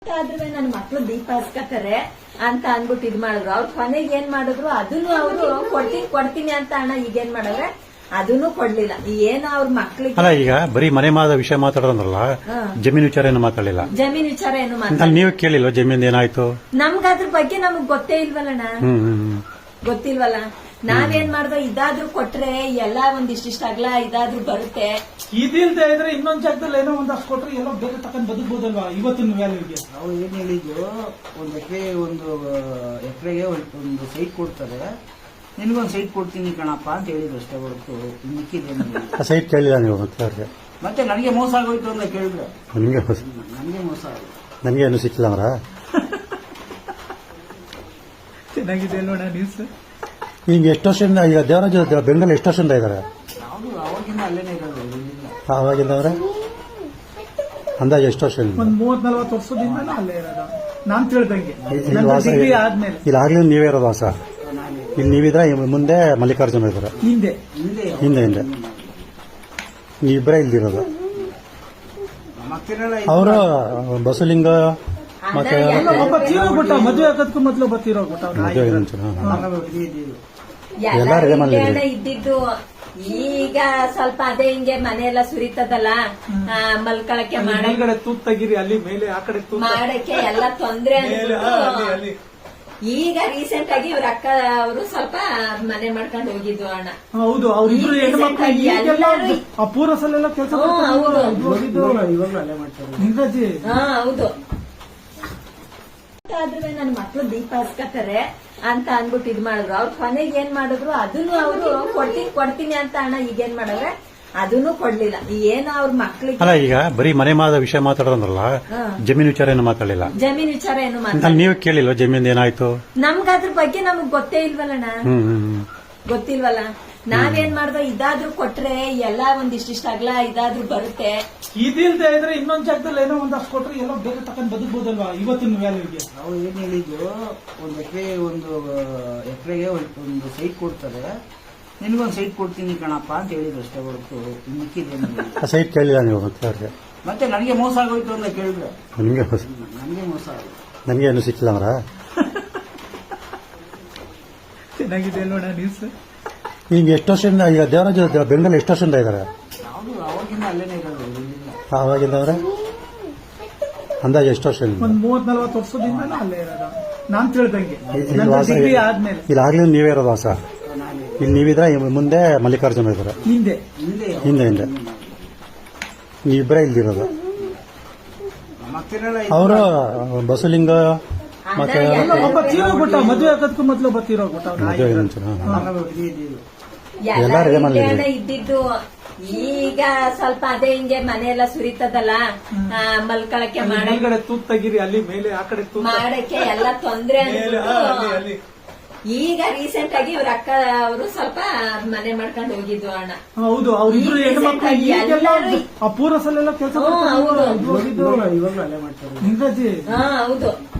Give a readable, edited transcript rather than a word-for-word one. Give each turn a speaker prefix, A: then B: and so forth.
A: ಆದ್ರೆ ನನ್ನ ಮಕ್ಳು ದೀಪ ಹಚ್ಕತಾರೆ ಅಂತ ಅನ್ಬಿಟ್ಟು ಇದ್ ಮಾಡಿದ್ರು. ಅವ್ರ ಕೊನೆಗೆ ಏನ್ ಮಾಡಿದ್ರು, ಅದನ್ನು ಅವರು ಕೊಡ್ತೀನಿ ಅಂತ ಅಣ್ಣ ಈಗೇನ್ ಮಾಡವ್ರೆ, ಅದನ್ನು ಕೊಡ್ಲಿಲ್ಲ. ಏನೋ ಅವ್ರ ಮಕ್ಳಿಗೆ
B: ಅಲ್ಲ, ಈಗ ಬರೀ ಮನೆ ಮಾದ ವಿಷಯ ಮಾತಾಡೋದ್ರಲ್ಲ, ಜಮೀನ್ ವಿಚಾರ ಏನು ಮಾತಾಡಲಿಲ್ಲ.
A: ಜಮೀನ್ ವಿಚಾರ ಏನು ಮಾತಾಡ,
B: ನೀವು ಕೇಳಿಲ್ವ ಜಮೀನ್ ಏನಾಯ್ತು?
A: ನಮ್ಗ ಅದ್ರ ಬಗ್ಗೆ ನಮಗ್ ಗೊತ್ತೇ ಇಲ್ವಲ್ಲಣ್ಣ, ಗೊತ್ತಿಲ್ವಲ್ಲ. ನಾವೇನ್ ಮಾಡ್ದೋ, ಇದಾದ್ರೂ ಕೊಟ್ರೆ ಎಲ್ಲ ಒಂದಿಷ್ಟ ಅಗಲ ಇದಾದ್ರೂ ಬರುತ್ತೆ.
C: ಇದಿಲ್ದೇ ಇದ್ರೆ ಇನ್ನೊಂದ್ ಜಾಗದಲ್ಲಿ ಏನೋ ಒಂದಷ್ಟು ಕೊಟ್ರೆ ಎಲ್ಲೋ ಬೇರೆ ತಕೊಂಡ್ ಬದುಕಬಹುದಲ್ವಾ ಇವತ್ತಿನ ವ್ಯಾಲ್ಯೂಗೆ.
D: ನಾವು ಏನ್ ಹೇಳಿದ್ದು, ಒಂದು ಎಕರೆಗೆ ಒಂದು ಸೈಟ್ ಕೊಡ್ತಾರೆ, ನಿನ್ಗೊಂದು ಸೈಟ್ ಕೊಡ್ತೀನಿ ಕಣಪ್ಪ ಅಂತ ಹೇಳಿದ್ರು ಅಷ್ಟೇ ಹೊರತು ಮಿಕ್ಕಿದ್ದೇನು
B: ಸೈಟ್ ಕೇಳಿಲ್ಲ ನೀವು
D: ಮತ್ತೆ ನನಗೆ ಮೋಸ ಆಗೋಯ್ತು ಅಂತ ಕೇಳಿದ್ರು.
B: ನನಗೆ
D: ಮೋಸ ಆಗೋಯ್ತು, ನನಗೆ
B: ಏನು ಸಿಕ್ಕಿಲ್ಲ ಅವರ.
C: ಚೆನ್ನಾಗಿದೆ ಅಲ್ವಣ ನ್ಯೂಸ್.
B: ಈಗ ಎಷ್ಟು ವರ್ಷದಿಂದ, ಈಗ ದೇವರಾಜ ಬೆಂಗಳೂರು ಎಷ್ಟು ವರ್ಷದಿಂದ ಇದ್ದಾರೆ?
D: ಯಾವುದು ಅವಾಗಿಂದ ಅಲ್ಲೇನೆ ಇರೋದು.
B: ಅವಾಗಿಂದ ಅವರೇ ಅಂದಾಜು ಎಷ್ಟು ವರ್ಷ?
C: ಒಂದ್ 30-40 ವರ್ಷದಿಂದ ಅಲ್ಲೇ ಇರೋದು ನಾನ್ ತಿಳ್ದಂಗೆ. ಡಿಗ್ರಿ ಆದ್ಮೇಲೆ
B: ಇಲ್ಲಿ ಆಗ್ಲಿ ನೀವೇ ಇರೋದು ವಾಸ? ಇಲ್ಲಿ ನೀವಿದ್ರೆ ಮುಂದೆ ಮಲ್ಲಿಕಾರ್ಜುನ ಇದ್ದಾರೆ,
C: ಹಿಂದೆ
B: ಹಿಂದೆ ನೀವಿಬ್ಬರೇ ಇಲ್ದಿರೋದು. ಅವರು ಬಸಲಿಂಗ ಮತ್ತೆ
C: ಒಬ್ಬ ತೀರೋಗ್ಬಿಟ್ಟ, ಮದುವೆ ಆಗೋದಕ್ಕೂ ಮೊದಲು ಒಬ್ಬ ತೀರೋಗ್ಬಿಟ್ಟ.
A: ಎಲ್ಲ ಇಲ್ಲೇ ಇದ್ದಿದ್ದು. ಈಗ ಸ್ವಲ್ಪ ಅದೇ ಹಿಂಗೆ ಮನೆಯೆಲ್ಲ ಸುರಿತದಲ್ಲ, ಮಲ್ಕೊಳಕ್ಕೆ
C: ಮೇಲ್ಗಡೆ ತೂತ್ ತೆಗೀರಿ, ಅಲ್ಲಿ ಮೇಲೆ ಆ ಕಡೆ
A: ಮಾಡಕ್ಕೆ ಎಲ್ಲ ತೊಂದ್ರೆ ಅನ್ಬಿಟ್ಟು ಈಗ ರೀಸೆಂಟ್ ಆಗಿ ಇವ್ರ ಅಕ್ಕ ಅವರು ಸ್ವಲ್ಪ ಮನೆ ಮಾಡ್ಕೊಂಡು ಹೋಗಿದ್ವು ಅಣ್ಣ.
C: ಹೌದು, ಅವ್ರಿಬ್ರು ಹೆಣ್ಮಕ್ಳು ಪೂರ ಸಲ ಕೆಲಸ ನಿಂಗಾಜಿ.
A: ಹೌದು, ಆದ್ರೆ ನನ್ನ ಮಕ್ಳು ದೀಪ ಹಚ್ಕತಾರೆ ಅಂತ ಅನ್ಬಿಟ್ಟು ಇದ್ ಮಾಡಿದ್ರು. ಅವ್ರ ಕೊನೆಗೆ ಏನ್ ಮಾಡಿದ್ರು, ಅದನ್ನು ಅವರು ಕೊಡ್ತೀನಿ ಅಂತ ಅಣ್ಣ ಈಗೇನ್ ಮಾಡವ್ರೆ, ಅದನ್ನು ಕೊಡ್ಲಿಲ್ಲ. ಏನೋ ಅವ್ರ ಮಕ್ಳಿಗೆ.
B: ಅಲ್ಲ, ಈಗ ಬರೀ ಮನೆ ಮಾದ ವಿಷಯ ಮಾತಾಡೋದ್ರಲ್ಲ, ಜಮೀನ್ ವಿಚಾರ ಏನು ಮಾತಾಡಲಿಲ್ಲ.
A: ಜಮೀನ್ ವಿಚಾರ ಏನು ಮಾತಾಡ,
B: ನೀವು ಕೇಳಿಲ್ವ ಜಮೀನ್ ಏನಾಯ್ತು?
A: ನಮ್ಗ ಅದ್ರ ಬಗ್ಗೆ ನಮಗ್ ಗೊತ್ತೇ ಇಲ್ವಲ್ಲಣ್ಣ, ಗೊತ್ತಿಲ್ವಲ್ಲ. ನಾವೇನ್ ಮಾಡ್ದೋ, ಇದಾದ್ರೂ ಕೊಟ್ರೆ ಎಲ್ಲ ಒಂದಿಷ್ಟ ಅಗಲ ಇದಾದ್ರೂ ಬರುತ್ತೆ.
C: ಇದಿಲ್ದೇ ಇದ್ರೆ ಇನ್ನೊಂದ್ ಜಾಗದಲ್ಲಿ ಏನೋ ಒಂದಷ್ಟು ಕೊಟ್ರೆ ಎಲ್ಲೋ ಬೇರೆ ತಕೊಂಡ್ ಬದುಕಬಹುದಲ್ವಾ ಇವತ್ತಿನ ವ್ಯಾಲ್ಯೂಗೆ.
D: ನಾವು ಏನ್ ಹೇಳಿದ್ದು, ಒಂದು ಎಕರೆಗೆ ಒಂದು ಸೈಟ್ ಕೊಡ್ತಾರೆ, ನಿನ್ಗೊಂದು ಸೈಟ್ ಕೊಡ್ತೀನಿ ಕಣಪ್ಪ ಅಂತ ಹೇಳಿದ್ರು ಅಷ್ಟೇ ಹೊರತು ಮಿಕ್ಕಿದ್ದೇನು
B: ಸೈಟ್ ಕೇಳಿಲ್ಲ ನೀವು
D: ಮತ್ತೆ ನನಗೆ ಮೋಸ ಆಗೋಯ್ತು ಅಂತ ಕೇಳಿದ್ರು. ನನಗೆ ಮೋಸ ಆಗೋಯ್ತು,
B: ನನಗೆ ಏನು ಸಿಕ್ಕಿಲ್ಲ ಅವರ.
C: ಚೆನ್ನಾಗಿದೆ ಅಲ್ವಣ ನ್ಯೂಸ್.
B: ಈಗ ಎಷ್ಟು ವರ್ಷದಿಂದ, ಈಗ ದೇವರಾಜ ಬೆಂಗಳೂರು ಎಷ್ಟು ವರ್ಷದಿಂದ ಇದ್ದಾರೆ?
D: ಯಾವುದು ಅವಾಗಿಂದ ಅಲ್ಲೇನೆ ಇರೋದು.
B: ಅವಾಗಿಂದ ಅವರೇ ಅಂದಾಜು ಎಷ್ಟು ವರ್ಷ?
C: ಒಂದ್ 30-40 ವರ್ಷದಿಂದ ಅಲ್ಲೇ ಇರೋದು ನಾನ್ ತಿಳ್ದಂಗೆ. ಡಿಗ್ರಿ ಆದ್ಮೇಲೆ
B: ಇಲ್ಲಿ ಆಗ್ಲಿ ನೀವೇ ಇರೋದು ವಾಸ? ಇಲ್ಲಿ ನೀವಿದ್ರೆ ಮುಂದೆ ಮಲ್ಲಿಕಾರ್ಜುನ ಇದ್ದಾರೆ, ಹಿಂದೆ ನೀವಿಬ್ಬರೇ ಇಲ್ದಿರೋದು. ಅವರು ಬಸಲಿಂಗ ಮತ್ತೆ
C: ಒಬ್ಬ ತೀರೋಗ್ಬಿಟ್ಟ, ಮದುವೆ ಆಗೋದಕ್ಕೂ ಮೊದಲು ಒಬ್ಬ ತೀರೋಗ್ಬಿಟ್ಟ.
A: ಎಲ್ಲ ಇಲ್ಲೇ ಇದ್ದಿದ್ದು. ಈಗ ಸ್ವಲ್ಪ ಅದೇ ಹಿಂಗೆ ಮನೆಯೆಲ್ಲ ಸುರಿತದಲ್ಲ, ಮಲ್ಕೊಳಕ್ಕೆ
C: ಮೇಲ್ಗಡೆ ತೂತ್ ತೆಗೀರಿ, ಅಲ್ಲಿ ಮೇಲೆ ಆ ಕಡೆ
A: ಮಾಡಕ್ಕೆ ಎಲ್ಲ ತೊಂದ್ರೆ ಅನ್ಬಿಟ್ಟು ಈಗ ರೀಸೆಂಟ್ ಆಗಿ ಇವ್ರ ಅಕ್ಕ ಅವರು ಸ್ವಲ್ಪ ಮನೆ ಮಾಡ್ಕೊಂಡು ಹೋಗಿದ್ವು ಅಣ್ಣ.
C: ಹೌದು, ಅವ್ರಿಬ್ರು ಹೆಣ್ಮಕ್ಳು ಪೂರ ಸಲ ಕೆಲಸ
A: ಹೌದು,
D: ಇವಾಗಲೂ ಅಲ್ಲೇ ಮಾಡ್ತಾರೆ.
A: ಹೌದು.